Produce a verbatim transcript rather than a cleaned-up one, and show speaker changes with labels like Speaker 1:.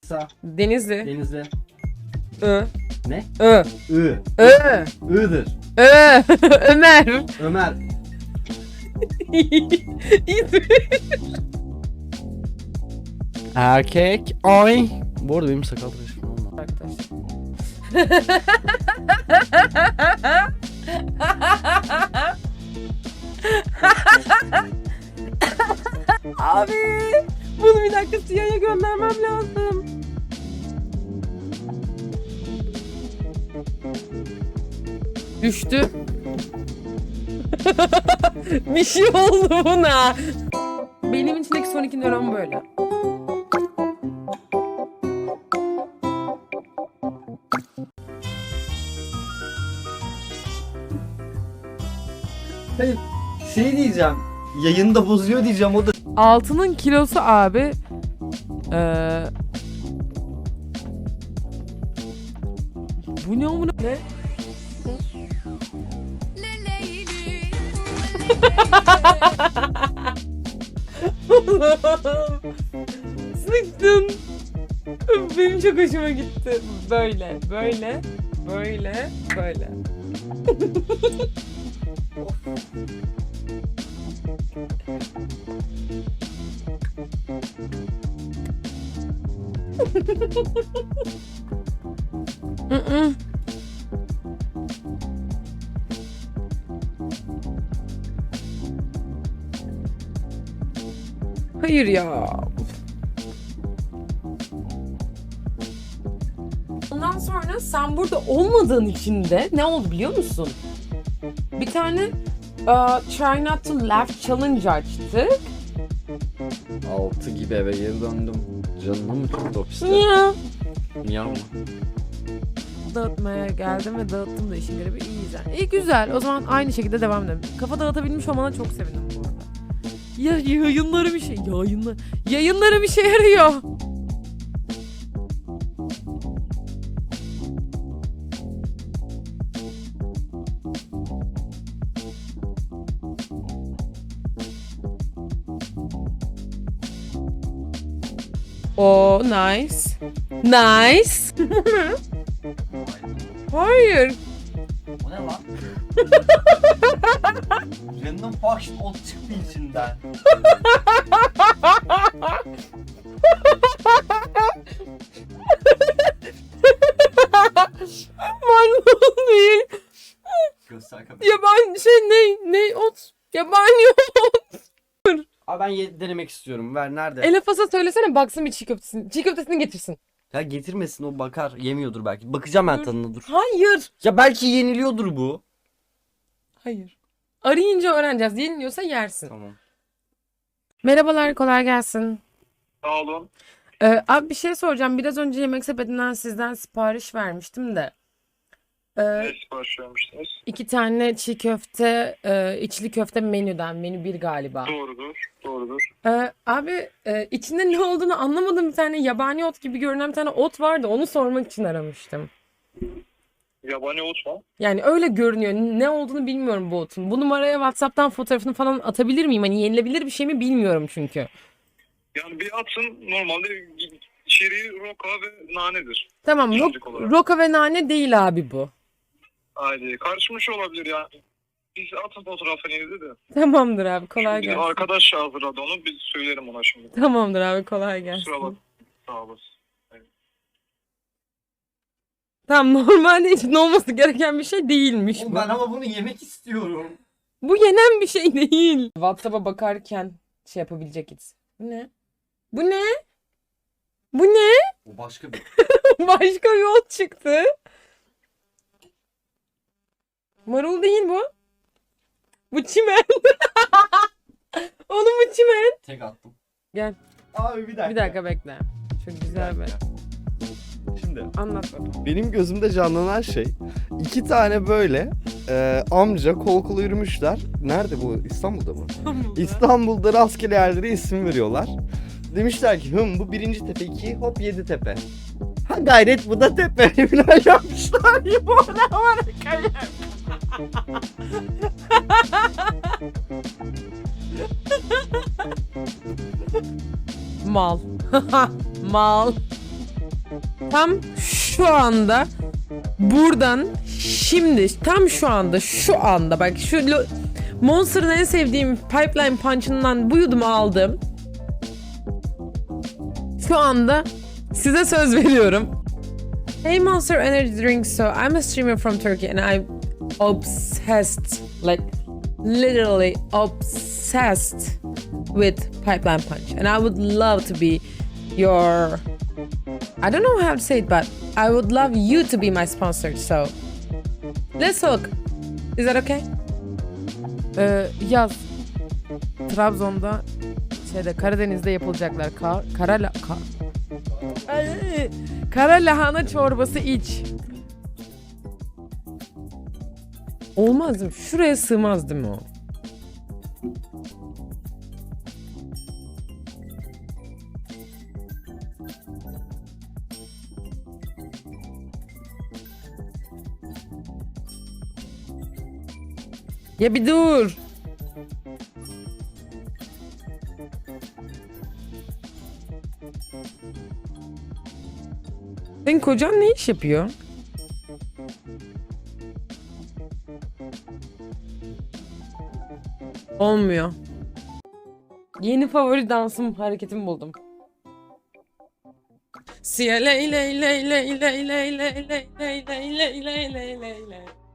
Speaker 1: Kısa.
Speaker 2: Denizli.
Speaker 1: Denizli.
Speaker 2: Ö.
Speaker 1: Ne?
Speaker 2: Ö.
Speaker 1: Ü.
Speaker 2: Ö.
Speaker 1: I'dır.
Speaker 2: Ö. Ömer.
Speaker 1: Ömer. Erkek. Ay. Bu arada benim sakal tıraşım olma.
Speaker 2: Abi. Bunu bir dakika Siyah'a göndermem lazım. Düştü. Bir şey oldu buna. Benim içindeki son iki nöron böyle.
Speaker 1: Hayır. Şey diyeceğim. Yayında bozuyor diyeceğim o da.
Speaker 2: Altının kilosu abi. Ee... Bu ne amına? Ne? Sıktın. Benim çok hoşuma gitti. Böyle, böyle, böyle, böyle. Mm-mm. Hayır ya. Ondan sonra sen burada olmadığın için de ne oldu biliyor musun? Bir tane uh, Try Not To Laugh Challenge açtık.
Speaker 1: Altı gibi eve geri döndüm. Canımı mı tuttu ofiste?
Speaker 2: Ya.
Speaker 1: Niye ama?
Speaker 2: Dağıtmaya geldim ve dağıttım da işin garibi iyi güzel. İyi güzel. O zaman aynı şekilde devam edelim. Kafa dağıtabilmiş olmana çok sevindim bu arada. Ya yayınları bir şey. Yayınlar. Yayınları bir şey yarıyor. Oh, nice. Nice. Hayır.
Speaker 1: O ne lan? Random faction ot çıktı içinden.
Speaker 2: Maymun değil.
Speaker 1: Göster kapıyı.
Speaker 2: Yaban şey ne ne ot. Yabani ot.
Speaker 1: Abi ben ye- denemek istiyorum. Ver nerede?
Speaker 2: Elefas'a söylesene baksın bir çiğ köftesini. Çiğ köftesini getirsin.
Speaker 1: Ya getirmesin o bakar. Yemiyordur belki. Bakacağım ben
Speaker 2: Dur.
Speaker 1: tadına dur.
Speaker 2: Hayır.
Speaker 1: Ya belki yeniliyordur bu.
Speaker 2: Hayır. Arayınca öğreneceğiz. Yeniliyorsa yersin.
Speaker 1: Tamam.
Speaker 2: Merhabalar, kolay gelsin.
Speaker 3: Sağ olun.
Speaker 2: Ee, abi bir şey soracağım. Biraz önce Yemek Sepeti'nden sizden sipariş vermiştim de. Ee,
Speaker 3: Ne sipariş vermiştiniz?
Speaker 2: iki tane çiğ köfte, e, içli köfte menüden. Menü bir galiba.
Speaker 3: Doğrudur. Doğrudur.
Speaker 2: Ee, abi e, içinde ne olduğunu anlamadım. Bir tane yabani ot gibi görünen bir tane ot vardı. Onu sormak için aramıştım.
Speaker 3: Yabani ot mu?
Speaker 2: Yani öyle görünüyor. Ne olduğunu bilmiyorum bu otun. Bu numaraya WhatsApp'tan fotoğrafını falan atabilir miyim? Hani yenilebilir bir şey mi bilmiyorum çünkü.
Speaker 3: Yani bir atın normalde içeriği roka ve nanedir.
Speaker 2: Tamam.
Speaker 3: İçerik
Speaker 2: Ro-
Speaker 3: olarak.
Speaker 2: roka ve nane değil abi bu.
Speaker 3: Haydi. Karışmış olabilir yani. Biz atın fotoğrafını yedi de.
Speaker 2: Tamamdır abi. Kolay
Speaker 3: Şimdi
Speaker 2: gelsin.
Speaker 3: arkadaş hazırladı onu. Biz söylerim ona şimdi.
Speaker 2: Tamamdır abi. Kolay gelsin.
Speaker 3: Kusura bak. Sağ olasın.
Speaker 2: Tamam, normalde hiç olması gereken bir şey değilmiş bu.
Speaker 1: Ben ama bunu yemek istiyorum.
Speaker 2: Bu yenen bir şey değil. WhatsApp'a bakarken şey yapabilecekiz. Bu ne? Bu ne? Bu ne?
Speaker 1: O başka bir.
Speaker 2: Başka bir ot çıktı. Marul değil bu. Bu çimen. Oğlum bu çimen.
Speaker 1: Tek attım.
Speaker 2: Gel.
Speaker 1: Abi bir dakika.
Speaker 2: Bir dakika bekle. Çok güzel bir.
Speaker 4: Şimdi
Speaker 2: Anlat bakalım.
Speaker 4: benim gözümde canlanan şey iki tane böyle e, amca kol kola yürümüşler. Nerede bu? İstanbul'da mı? İstanbul'da rastgele yerlere isim veriyorlar. Demişler ki hım bu birinci tepe, iki hop yedi tepe. Ha gayret bu da tepe. Falan yapmışlar.
Speaker 2: Bu ne var kalem? Mal. Mal. tam şu anda buradan şimdi tam şu anda şu anda bak şu lo- Monster'ın en sevdiğim Pipeline Punch'ından bu yudumu aldım. Şu anda size söz veriyorum. Hey Monster Energy Drink, so I'm a streamer from Turkey and I'm obsessed, like literally obsessed with Pipeline Punch, and I would love to be your, I don't know how to say it, but I would love you to be my sponsor, so let's talk. Is that okay? Ee, yaz. Trabzon'da şeyde Karadeniz'de yapılacaklar. Ka kara la ka Ay, kara lahana çorbası iç. Olmaz mı? Şuraya sığmaz değil mi o? Ya bir dur. Senin kocan ne iş yapıyor? Olmuyor. Yeni favori dansım hareketimi buldum. Siya ley ley ley ley ley ley ley ley ley ley ley ley ley ley ley.